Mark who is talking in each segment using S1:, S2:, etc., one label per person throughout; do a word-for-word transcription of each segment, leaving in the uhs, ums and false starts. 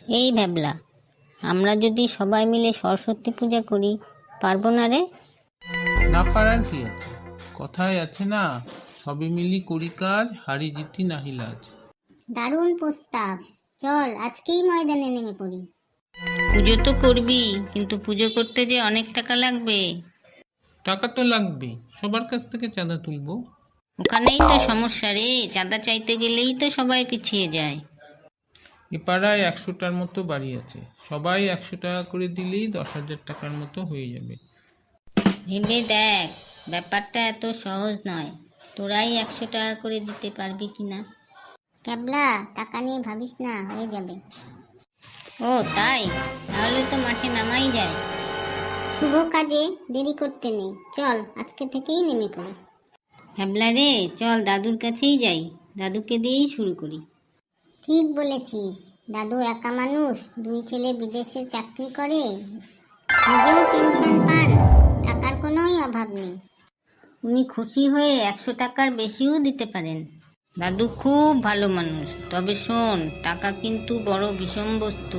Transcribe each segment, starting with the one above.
S1: এই ভ্যাবলা, আমরা যদি সবাই মিলে সরস্বতী পূজা করি, পারবো না রে?
S2: না পারার কি আছে? কথায় আছে না, সবে মিলি করি কাজ, হারি জিতি নাহি লাজ।
S3: দারুণ প্রস্তাব, চল আজকেই ময়দানে নেমে পড়ি।
S1: পুজো তো করবি, কিন্তু পুজো করতে যে অনেক টাকা লাগবে।
S2: টাকা তো লাগবে, সবার কাছ থেকে চাঁদা তুলবো।
S1: ওখানেই তো সমস্যা রে, চাঁদা চাইতে গেলেই তো সবাই পিছিয়ে যায়।
S2: এ পাড়ায় একশোটার মতো বাড়ি আছে, সবাই একশো টাকা করে দিলেই দশ হাজার টাকার মতো হয়ে যাবে।
S1: ভেবে দেখ, ব্যাপারটা এত সহজ নয়। তোরাই একশো টাকা করে দিতে পারবি কিনা?
S3: ক্যাবলা, টাকা নিয়ে ভাবিস না, হয়ে যাবে।
S1: ও তাই? তাহলে তো মাঠে নামাই যায়।
S3: শুভ কাজে দেরি করতে নেই, চল আজকে থেকেই নেমে পড়ি।
S1: ভ্যাবলা রে, চল দাদুর কাছেই যাই, দাদুকে দিয়েই শুরু করি।
S3: ঠিক বলেছিস, দাদু একা মানুষ, দুই ছেলে বিদেশে চাকরি করে, নিজেও পেনশন পান, টাকার কোনোই অভাব নেই।
S1: উনি খুশি হয়ে একশো টাকার বেশিও দিতে পারেন। দাদু খুব ভালো মানুষ, তবে শোন, টাকা কিন্তু বড় বিষম বস্তু।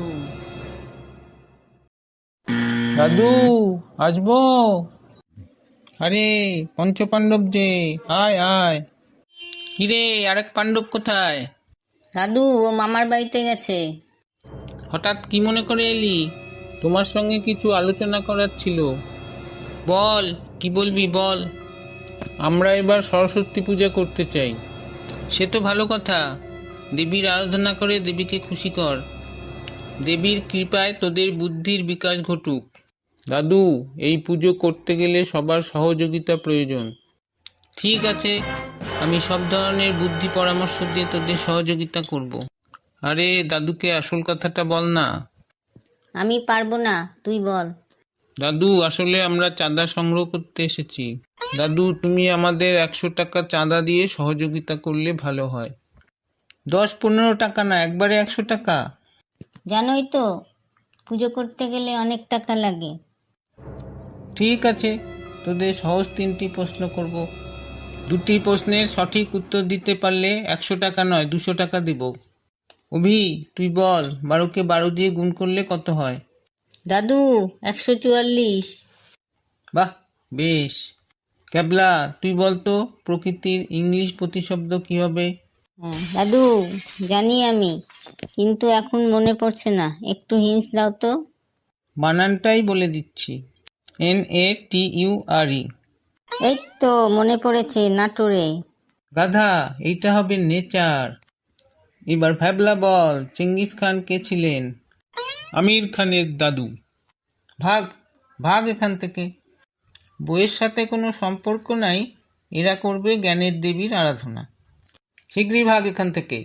S2: দাদু, আসবো? আরে পঞ্চপাণ্ডব যে, আয় আয়। কিরে, আরেক পাণ্ডব কোথায়?
S1: দাদু ও মামার বাড়িতে গেছে।
S2: হঠাৎ কি মনে করে এলি? তোমার সঙ্গে কিছু আলোচনা করার ছিল। বল, কি বলবি বল। আমরা এবার সরস্বতী পূজা করতে চাই। সে তো ভালো কথা, দেবীর আরাধনা করে দেবীকে খুশি কর। দেবীর কৃপায় তোদের বুদ্ধির বিকাশ ঘটুক। দাদু, এই পুজো করতে গেলে সবার সহযোগিতা প্রয়োজন। ঠিক আছে, আমি সব ধরনের বুদ্ধি পরামর্শ দিয়ে তোদের সহযোগিতা করব। আরে দাদুকে আসল কথাটা বল না।
S1: আমি পারবো না, তুই বল।
S2: দাদু, আসলে আমরা চাঁদা সংগ্রহ করতে এসেছি। দাদু, তুমি আমাদের একশো টাকা চাঁদা দিয়ে সহযোগিতা করলে ভালো হয়। দশ পনেরো টাকা না, একবারে একশো টাকা।
S1: জানোই তো, পুজো করতে গেলে অনেক টাকা লাগে।
S2: ঠিক আছে, তোদের সহজ তিনটি প্রশ্ন করব। দুটি প্রশ্নের সঠিক উত্তর দিতে পারলে একশো টাকা নয়, দুশো টাকা দেব। অভি, তুই বল, বারোকে বারো দিয়ে গুণ করলে কত হয়?
S1: দাদু, একশো চুয়াল্লিশ।
S2: বাহ, বেশ। ক্যাবলা, তুই বল তো, প্রকৃতির ইংলিশ প্রতিশব্দ কি হবে?
S1: হ্যাঁ দাদু, জানি আমি, কিন্তু এখন মনে পড়ছে না, একটু হিন্স দাও তো।
S2: বানানটাই বলে দিচ্ছি, এন এ টি ইউ আর ই।
S1: এই তো মনে পড়েছে, নাটোরে।
S2: গাধা, এইটা হবে নেচার। এবার ভ্যাবলা বল, চেঙ্গিস খান কে ছিলেন? আমির খানের দাদু। ভাগ, ভাগ এখান থেকে। বইয়ের সাথে কোনো সম্পর্ক নাই, এরা করবে জ্ঞানের দেবীর আরাধনা। শীঘ্রই ভাগ এখান থেকে।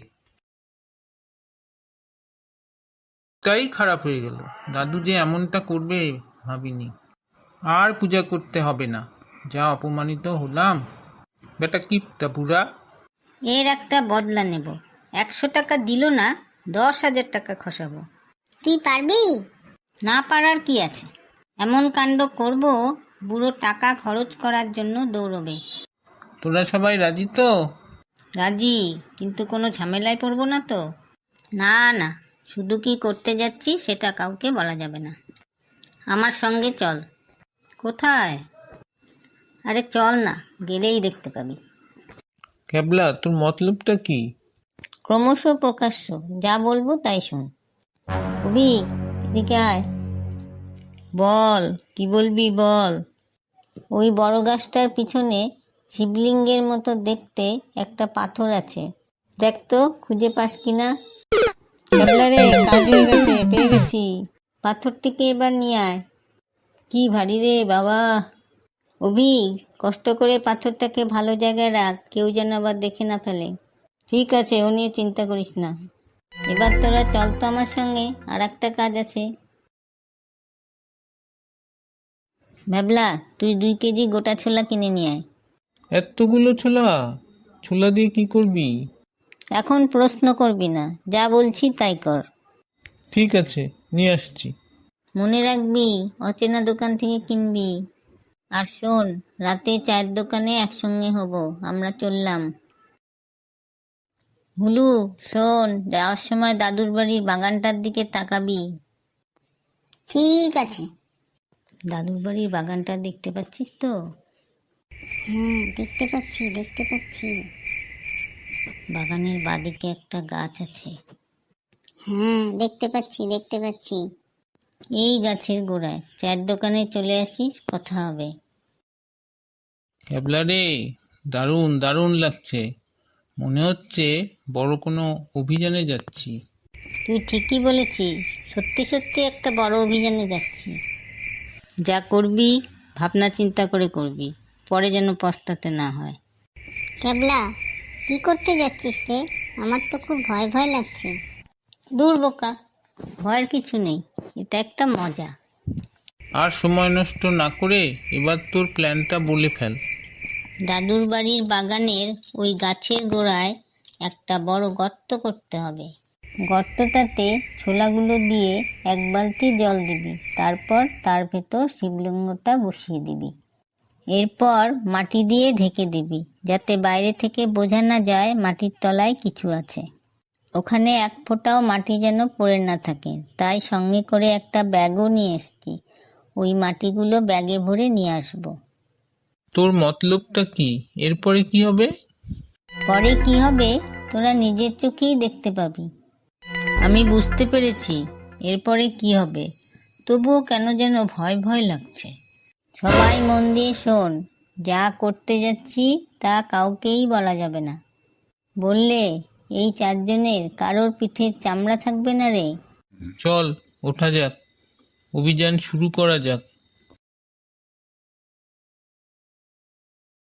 S2: তাই খারাপ হয়ে গেল, দাদু যে এমনটা করবে ভাবিনি। আর পূজা করতে হবে না, যা অপমানিত হলাম। বেটা কিপটা পুরা।
S1: এর একটা বদলা নেব। একশো টাকা দিল না, দশ হাজার টাকা খসাবো।
S3: তুই পারবি?
S1: না পারার কি আছে, এমন কাণ্ড করব, বুড়ো টাকা খরচ করার জন্য দৌড়বে।
S2: তোরা সবাই রাজি তো?
S1: রাজি, কিন্তু কোনো ঝামেলায় পড়বো না তো? না না, শুধু কি করতে যাচ্ছি সেটা কাউকে বলা যাবে না। আমার সঙ্গে চল। কোথায়? আরে চল না, গেলেই দেখতে পাবি।
S2: ক্যাবলা, তোর মতলবটা কি?
S1: ক্রমশ প্রকাশ্য, যা বলবো তাই শোন। কবি, এদিকে আয়। বল, কি বলবি বল। ওই বড় গাছটার পিছনে শিবলিঙ্গের মতো দেখতে একটা পাথর আছে, দেখ তো খুঁজে পাস কিনা। ক্যাবলা রে, কাজ হয়ে গেছে, পেয়ে গেছি। পাথরটিকে এবার নিয়ে আয়। কি ভারী রে বাবা। অভি, কষ্ট করে পাথরটাকে ভালো জায়গায় রাখ, কেউ যেন আবার দেখে না ফেলে। ঠিক আছে, ও নিয়ে চিন্তা করিস না। এবার তোরা চল তো আমার সঙ্গে, আর একটা কাজ আছে। ভাবলা, তুই দুই কেজি গোটা ছোলা কিনে নিয়ে আয়।
S2: এতগুলো ছোলা? ছোলা দিয়ে কি করবি?
S1: এখন প্রশ্ন করবি না, যা বলছি তাই কর।
S2: ঠিক আছে, নিয়ে আসছি।
S1: মনে রাখবি, অচেনা দোকান থেকে কিনবি। আর শোন, রাতে চায়ের দোকানে একসঙ্গে হব, আমরা চললাম। হুলু, শোন, যাওয়ার সময় দাদুর বাড়ির বাগানটার দিকে তাকাবি।
S3: ঠিক আছে।
S1: দাদুর বাড়ির বাগানটা দেখতে পাচ্ছিস তো?
S3: হ্যাঁ, দেখতে পাচ্ছি দেখতে পাচ্ছি।
S1: বাগানের বাদিকে একটা গাছ আছে।
S3: হ্যাঁ, দেখতে পাচ্ছি দেখতে পাচ্ছি।
S1: এই গাছের গোড়ায় চায়ের দোকানে চলে আসিস, কথা হবে।
S2: ক্যাবলা রে, দারুণ দারুণ লাগছে, মনে হচ্ছে বড় কোনো অভিযানে যাচ্ছি।
S1: তুই ঠিকই বলেছিস, সত্যি সত্যি একটা বড় অভিযানে যাচ্ছি। যা করবি ভাবনা চিন্তা করে করবি, পরে যেন পস্তাতে না হয়।
S3: ক্যাবলা, কি করতে যাচ্ছিস রে? আমার তো খুব ভয় ভয় লাগছে।
S1: দূর বোকা, ভয়ের কিছু নেই, এটা একটা মজা।
S2: আর সময় নষ্ট না করে এবার তোর প্ল্যানটা বলে ফেল।
S1: দাদুর বাড়ির বাগানের ওই গাছের গোড়ায় একটা বড় গর্ত করতে হবে। গর্তটাতে ছোলাগুলো দিয়ে এক বালতি জল দিবি, তারপর তার ভেতর শিবলিঙ্গটা বসিয়ে দিবি। এরপর মাটি দিয়ে ঢেকে দিবি, যাতে বাইরে থেকে বোঝা না যায় মাটির তলায় কিছু আছে। ওখানে এক ফোঁটাও মাটি যেন পড়ে না থাকে, তাই সঙ্গে করে একটা ব্যাগও নিয়ে এসছি। ওই মাটিগুলো ব্যাগে ভরে নিয়ে আসবো।
S2: তোর মতলবটা কি? এরপরে কি হবে?
S1: পরে কি হবে তোরা নিজের চোখেই দেখতে পাবি। আমি বুঝতে পেরেছি এরপরে কি হবে, তবুও কেন যেন ভয় ভয় লাগছে। সবাই মন দিয়ে শোন, যা করতে যাচ্ছি তা কাউকেই বলা যাবে না। বললে এই চারজনের কারোর পিঠের চামড়া থাকবে না রে।
S2: চল ওঠা যাক, অভিযান শুরু করা যাক।